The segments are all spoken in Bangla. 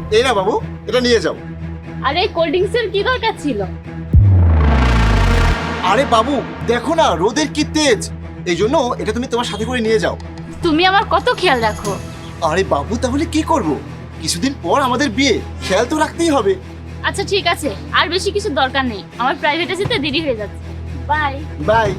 এই না বাবু, এটা নিয়ে যাও। আরে এই কোল্ড ড্রিঙ্কসের কি দরকার ছিল? আরে বাবু দেখো না রোদের কি তেজ, এই জন্য এটা তুমি তোমার সাথে করে নিয়ে যাও। তুমি আমার কত খেয়াল রাখো। আরে বাবু তাহলে কি করব, কিছুদিন পর আমাদের বিয়ে, খেয়াল তো রাখতেই হবে। আচ্ছা ঠিক আছে, আর বেশি কিছু দরকার নেই, আমার প্রাইভেটে যেতে দেরি হয়ে যাচ্ছে। Bye bye.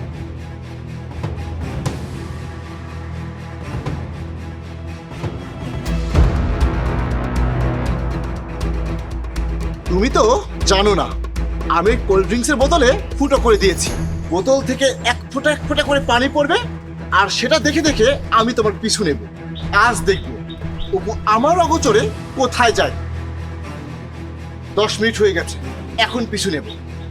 তুমি তো জানো না, আমি কোল্ড ড্রিঙ্কসের বোতলে ফুটো করে দিয়েছি। বোতল থেকে এক ফোঁটা করে পানি পড়বে, আর সেটা দেখে দেখে আমি তোমার পিছু নেব। আজ দেখবো অপু আমার অগোচরে কোথায় যায়। 10 মিনিট হয়ে গেছে, এখন পিছু নেব।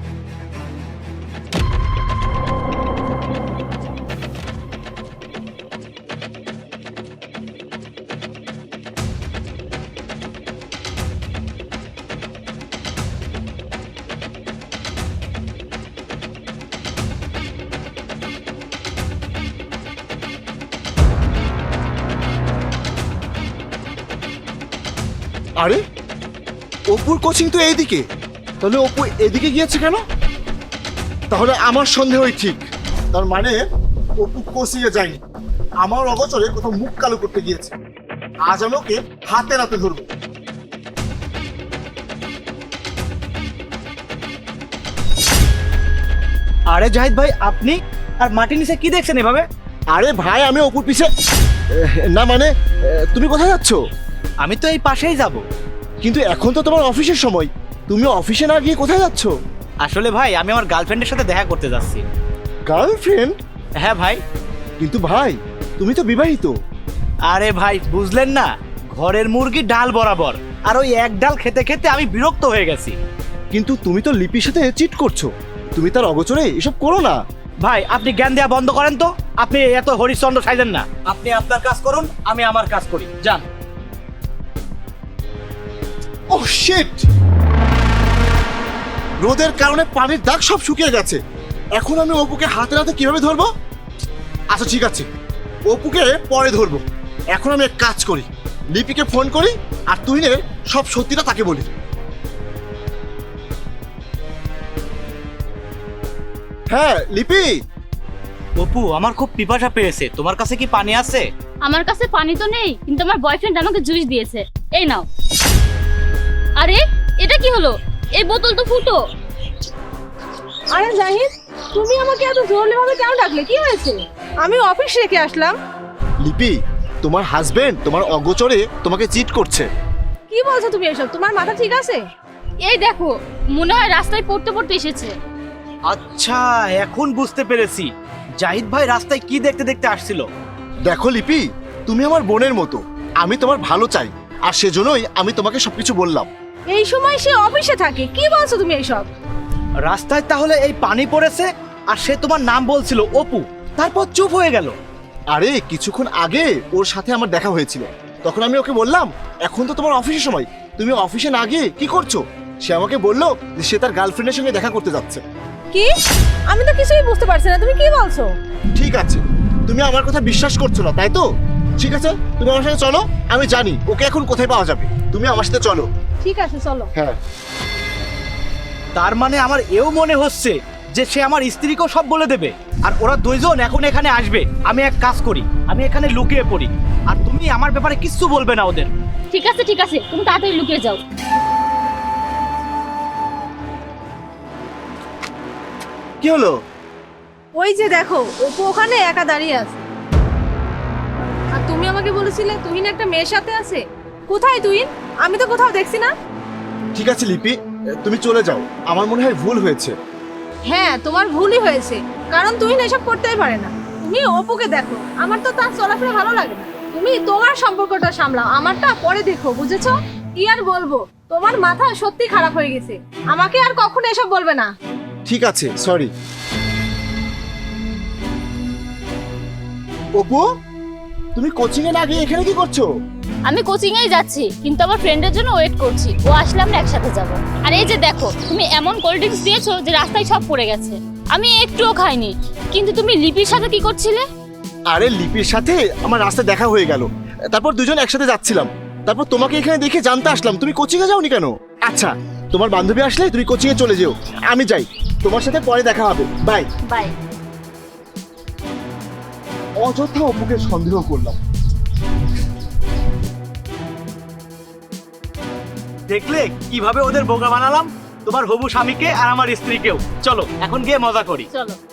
আরে অপুর কোচিং তো এইদিকে, তাহলে অপু এদিকে গিয়েছে কেন? তাহলে আমার সন্দেহই ঠিক, তার মানে অপু কোচিং এ যায়নি, আমার অগোচরে কোথাও মুখ কালো করতে গিয়েছে। আজ আমি ওকে হাতে নাতে ধরবো। আরে জাহিদ ভাই, আপনি আর মাটির নিচে কি দেখছেন এভাবে? আরে ভাই আমি অপুর পিছে না মানে তুমি কোথায় যাচ্ছ? আমি তো এই পাশেই যাব। কিন্তু এখন তো তোমার অফিসের সময়, তুমি অফিসে না গিয়ে কোথায় যাচ্ছ? আসলে ভাই আমি আমার গার্লফ্রেন্ডের সাথে দেখা করতে যাচ্ছি। গার্লফ্রেন্ড? হ্যাঁ ভাই। কিন্তু ভাই তুমি তো বিবাহিত। আরে ভাই বুঝলেন না, ঘরের মুরগি ডাল বরাবর, আর ওই এক ডাল খেতে খেতে আমি বিরক্ত হয়ে গেছি। কিন্তু তুমি তো লিপির সাথে চিট করছো, তুমি তার অগোচরে এসব করো না। ভাই আপনি জ্ঞান দেওয়া বন্ধ করেন তো, আপনি এত হরিশ্চন্দ্র সাইজেন না। আপনি আপনার কাজ করুন, আমি আমার কাজ করি, যান। Oh shit! রোদের কারণে পানির দাগ সব শুকিয়ে গেছে, এখন আমি অপুকে হাতে হাতে কিভাবে ধরবো? আচ্ছা ঠিক আছে, অপুকে পরে ধরবো। এখন আমি এক কাজ করি, লিপিকে ফোন করি আর তুহিনের সব সত্যিটা তাকে বলি। হ্যাঁ লিপি। অপু, আমার খুব পিপাসা পেয়েছে, তোমার কাছে কি পানি আছে? আমার কাছে পানি তো নেই, কিন্তু আমার বয়ফ্রেন্ড আমাকে জুস দিয়েছে, এই নাও। আরে এটা কি হলো? এই বোতল তো ফুটো। আরে জাহিদ, তুমি আমাকে এত জোরলে ভাবে কেন ডাকলে? কি হয়েছে? আমি অফিস রেখে আসলাম। লিপি, তোমার হাজবেন্ড তোমার অগোচরে তোমাকে চিট করছে। কি বলছো তুমি এসব? তোমার মাথা ঠিক আছে? এই দেখো, মনে হয় রাস্তায় পড়তে পড়তে এসেছে। আচ্ছা এখন বুঝতে পেরেছি, জাহিদ ভাই রাস্তায় কি দেখতে দেখতে আসছিল। দেখো লিপি, তুমি আমার বোনের মতো, আমি তোমার ভালো চাই, আর সেজন্যই আমি তোমাকে সবকিছু বললাম। এই সময় সে অফিসে থাকে, কি বলছো তুমি এইসব? রাস্তায় তাহলে এই পানি পড়েছে, আর সে তোমার নাম বলছিল অপু, তারপর চুপ হয়ে গেল। আরে কিছুক্ষণ আগে ওর সাথে আমার দেখা হয়েছিল, তখন আমি ওকে বললাম এখন তো তোমার অফিসের সময়, তুমি অফিসে না গিয়ে কি করছো? সে আমাকে বললো যে সে তার গার্লফ্রেন্ডের সঙ্গে দেখা করতে যাচ্ছে। কি? আমি তো কিছুই বুঝতে পারছি না, তুমি কি বলছো? ঠিক আছে, তুমি আমার কথা বিশ্বাস করছো না তাই তো? ঠিক আছে, তুমি আমার সাথে চলো, আমি জানি ওকে এখন কোথায় পাওয়া যাবে, তুমি আমার সাথে চলো। ঠিক আছে চলো। হ্যাঁ। তার মানে আমার এও মনে হচ্ছে যে সে আমার স্ত্রীকেও সব বলে দেবে, আর ওরা দুইজন এখন এখানে আসবে। আমি এক কাজ করি, আমি এখানে লুকিয়ে পড়ি, আর তুমি আমার ব্যাপারে কিচ্ছু বলবে না ওদের। ঠিক আছে ঠিক আছে, তুমি তাড়াতাড়ি লুকিয়ে যাও। কি হলো? ওই যে দেখো, অপু ওখানে একা দাঁড়িয়ে আছে। আর তুমি আমাকে বলেছিলে তুহিন একটা মেয়ের সাথে আছে। কোথায় তুহিন? আমি তো কোথাও দেখছি না। ঠিক আছে লিপি, তুমি চলে যাও, আমার মনে হয় ভুল হয়েছে। হ্যাঁ, তোমার ভুলই হয়েছে, কারণ তুহিন এসব করতেই পারে না। তুমি অপুকে দেখো, আমার তো তার চলাফেরা ভালো লাগে না। তুমি তোমার সম্পর্কটা সামলাও, আমারটা পরে দেখো, বুঝেছো? কি আর বলবো, তোমার মাথা সত্যি খারাপ হয়ে গেছে। আমাকে আর কখনো এসব বলবে না। ঠিক আছে, সরি। অপু, তুমি কোচিং এ না গিয়ে এখানে কি করছো? আমি কোচিং এই যাচ্ছি, কিন্তু আমার ফ্রেন্ডের জন্য ওয়েট করছি, ও আসলে আমরা একসাথে যাব। আর এই যে দেখো, তুমি এমন কোল্ড ড্রিঙ্কস দিয়েছো যে রাস্তায় সব পড়ে গেছে, আমি একটুও খাইনি। কিন্তু তুমি লিপির সাথে কি করছিলে? আরে লিপির সাথে আমার রাস্তায় দেখা হয়ে গেল, তারপর দুজন একসাথে যাচ্ছিলাম, তারপর তোমাকে এখানে দেখে জানতে আসলাম তুমি কোচিংয়ে যাওনি কেন? আচ্ছা, তোমার বান্ধবী আসলে তুমি কোচিংয়ে চলে যেও, আমি যাই। তোমার সাথে পরে দেখা হবে, বাই। বাই। অযথা অপুকে সন্দেহ করলাম। দেখলে কিভাবে ওদের বোকা বানালাম, তোমার হবু স্বামীকে আর আমার স্ত্রীকেও। চলো এখন গিয়ে মজা করি। চলো।